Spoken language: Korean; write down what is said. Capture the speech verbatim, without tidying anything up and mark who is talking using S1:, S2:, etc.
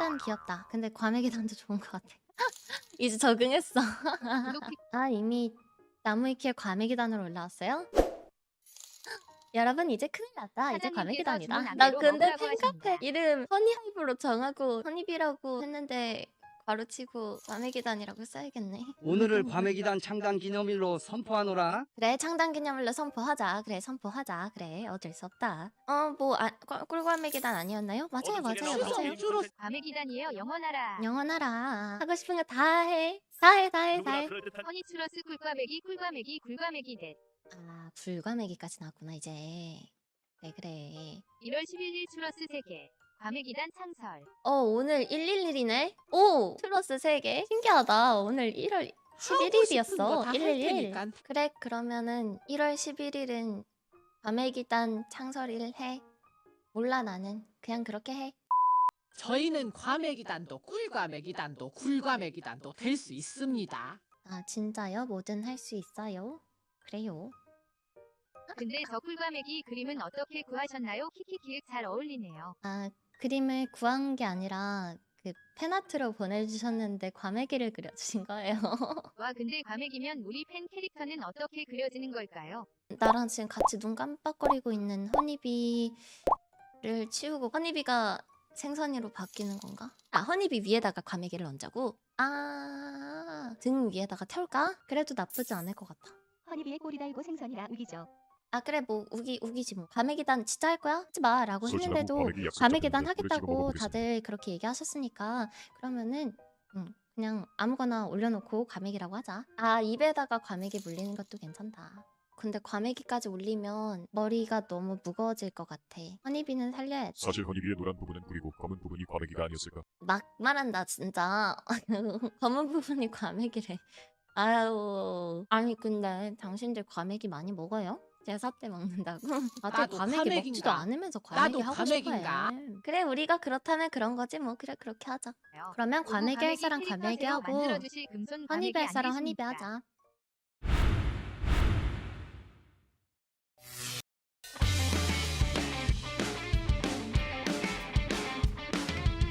S1: 과메기단 귀엽다. 근데 과메기단도 좋은 것 같아. 이제 적응했어. 아 이미 나무위키에 과메기단으로 올라왔어요? 여러분 이제 큰일 났다. 이제
S2: 사장님께서 주문
S1: 과메기단이다. 나
S2: 안대로
S1: 근데
S2: 먹으라고
S1: 팬카페
S2: 하십니다.
S1: 이름 허니하이브로 정하고 허니비라고 했는데 바로치고 과메기단이라고 써야겠네.
S3: 오늘을 과메기단 창단 기념일로 선포하노라.
S1: 그래 창단기념일로 선포하자. 그래 선포하자. 그래 어쩔 수 없다. 어뭐 아, 꿀- 꿀과메기단 아니었나요? 맞아요 맞아요 맞아요.
S2: 과메기단이에요. 영원하라.
S1: 영원하라. 하고 싶은 거 다 해. 다 해 다 해 다 해.
S2: 허니추러스 꿀과메기 꿀과메기 굴과메기 넷.
S1: 아 불과메기까지 나왔구나 이제. 그래 그래.
S2: 일월 십일일 추러스 세 개. 과메기단 창설.
S1: 어 오늘 일일일이네. 오 플러스 세 개. 신기하다. 오늘 일월 십일일이었어. 일일일. 그래 그러면은 일월 십일일은 과메기단 창설일 해. 몰라 나는 그냥 그렇게 해.
S4: 저희는 과메기단도 꿀과메기단도 굴과메기단도 될 수 있습니다.
S1: 아 진짜요? 뭐든 할 수 있어요. 그래요.
S2: 근데 저 꿀과메기 그림은 어떻게 구하셨나요? 키키키윽 잘 어울리네요.
S1: 아 그림을 구한 게 아니라 그 팬아트로 보내주셨는데 과메기를 그려주신 거예요.
S2: 와 근데 과메기면 우리 팬 캐릭터는 어떻게 그려지는 걸까요?
S1: 나랑 지금 같이 눈 깜빡거리고 있는 허니비를 치우고 허니비가 생선이로 바뀌는 건가? 아 허니비 위에다가 과메기를 얹자고? 아 등 위에다가 태울까? 그래도 나쁘지 않을 것 같아.
S5: 허니비에 꼬리 달고 생선이라 우기죠.
S1: 아 그래 뭐 우기 우기지 뭐. 과메기단 진짜 할 거야? 하지 마 라고
S6: 솔직하고
S1: 했는데도
S6: 과메기 약속
S1: 과메기단
S6: 잡혔는데 오늘 찍어
S1: 하겠다고
S6: 먹어보겠습니다.
S1: 다들 그렇게 얘기하셨으니까 그러면은 음, 그냥 아무거나 올려놓고 과메기라고 하자. 아 입에다가 과메기 물리는 것도 괜찮다. 근데 과메기까지 올리면 머리가 너무 무거워질 것 같아. 허니비는 살려야지.
S6: 사실 허니비의 노란 부분은 꿀이고 검은 부분이 과메기가 아니었을까?
S1: 막 말한다 진짜. 검은 부분이 과메기래. 아유 아니 근데 당신들 과메기 많이 먹어요? 제사 때 먹는다고? 다들
S4: 나도
S1: 과메기
S4: 과메기인가?
S1: 먹지도 않으면서 과메기
S4: 나도
S1: 하고
S4: 과메기인가?
S1: 싶어해. 그래 우리가 그렇다면 그런 거지 뭐. 그래 그렇게 하자. 그러면
S2: 그리고
S1: 과메기 할
S2: 과메기
S1: 사람
S2: 캐릭터
S1: 과메기
S2: 새로
S1: 하고
S2: 만들어주실 금손
S1: 허니비
S2: 과메기
S1: 할 사람 허니비
S2: 아니십니까?
S1: 하자.